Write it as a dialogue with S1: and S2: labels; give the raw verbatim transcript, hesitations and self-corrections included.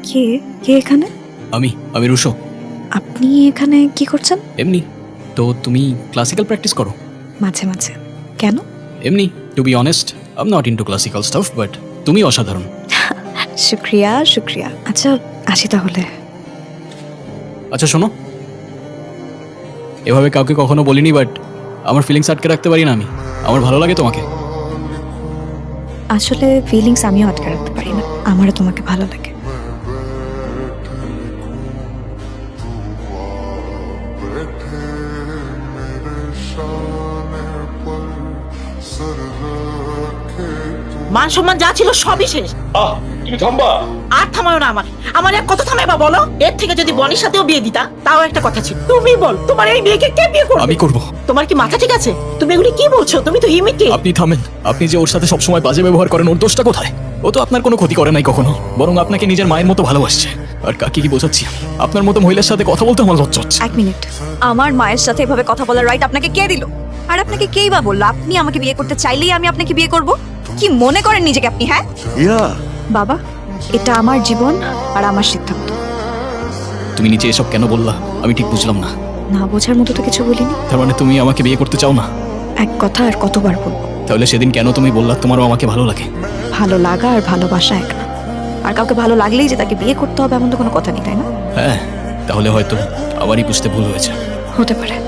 S1: কে কে এখানে?
S2: আমি আমি রুশো।
S1: আপনি এখানে কি করছেন?
S2: এমনি। তো তুমি ক্লাসিক্যাল প্র্যাকটিস করো?
S1: মাঝে মাঝে। কেন?
S2: এমনি, to be honest I am not into classical stuff, but তুমি অসাধারণ।
S1: শুক্রিয়া শুক্রিয়া। আচ্ছা আসি তাহলে।
S2: আচ্ছা শোনো, এভাবে কাউকে কখনো বলিনি, বাট আমার ফিলিংস আটকে রাখতে পারি না আমি। আমার ভালো লাগে তোমাকে।
S1: আসলে ফিলিংস আমিও আটকে রাখতে পারি না, আমারও তোমাকে ভালো লাগে।
S3: মান সম্মান যা ছিল সবই শেষ।
S4: আহ তুমি থামবা।
S3: আর থামাও না আমার আমার এক কথা থামাইবা বলো। এর থেকে যদি বনির সাথেও বিয়ে দিতা তাও একটা কথা ছিল। তুমি বল তোমার এই মেয়েকে কে বিয়ে করবে?
S2: আমি করব।
S3: তোমার কি মাথা ঠিক আছে? তুমি এগুলি কি বলছো? তুমি তো হিমিকে।
S2: আপনি থামেন। আপনি যে ওর সাথে সবসময় বাজে ব্যবহার করেন, ওর দোষটা কোথায়? ও তো আপনার কোনো ক্ষতি করে নাই কখনো, বরং আপনাকে নিজের মায়ের মতো ভালোবাসছে। আর কাকে কি বোঝাচ্ছি আমি? আপনার মতো মহিলার সাথে কথা বলতে আমার লজ্জা হচ্ছে।
S1: এক মিনিট, আমার মায়ের সাথে এভাবে কথা বলার রাইট আপনাকে কে দিল? আর আপনাকে কেই বা বললো আপনি আমাকে বিয়ে করতে চাইলেই আমি আপনাকে বিয়ে করব? কি মনে করেন নিজেকে আপনি? হ্যাঁ
S4: ইয়া
S1: বাবা, এটা আমার জীবন আর আমার সিদ্ধান্ত।
S2: তুমি নিচে এসব কেন বললা আমি ঠিক বুঝলাম না।
S1: না বোঝার মতো তো কিছু বলিনি।
S2: তার মানে তুমি আমাকে বিয়ে করতে চাও না?
S1: এক কথা আর কতবার বলবো?
S2: তাহলে সেদিন কেন তুমি বললা তোমারও আমাকে ভালো লাগে?
S1: ভালো লাগা আর ভালোবাসা এক না। আর কাউকে ভালো লাগলেই যে তাকে বিয়ে করতে হবে এমন তো কোনো কথা নেই, তাই না?
S2: হ্যাঁ, তাহলে হয়তো আমারই বুঝতে ভুল হয়েছে।
S1: হতে পারে।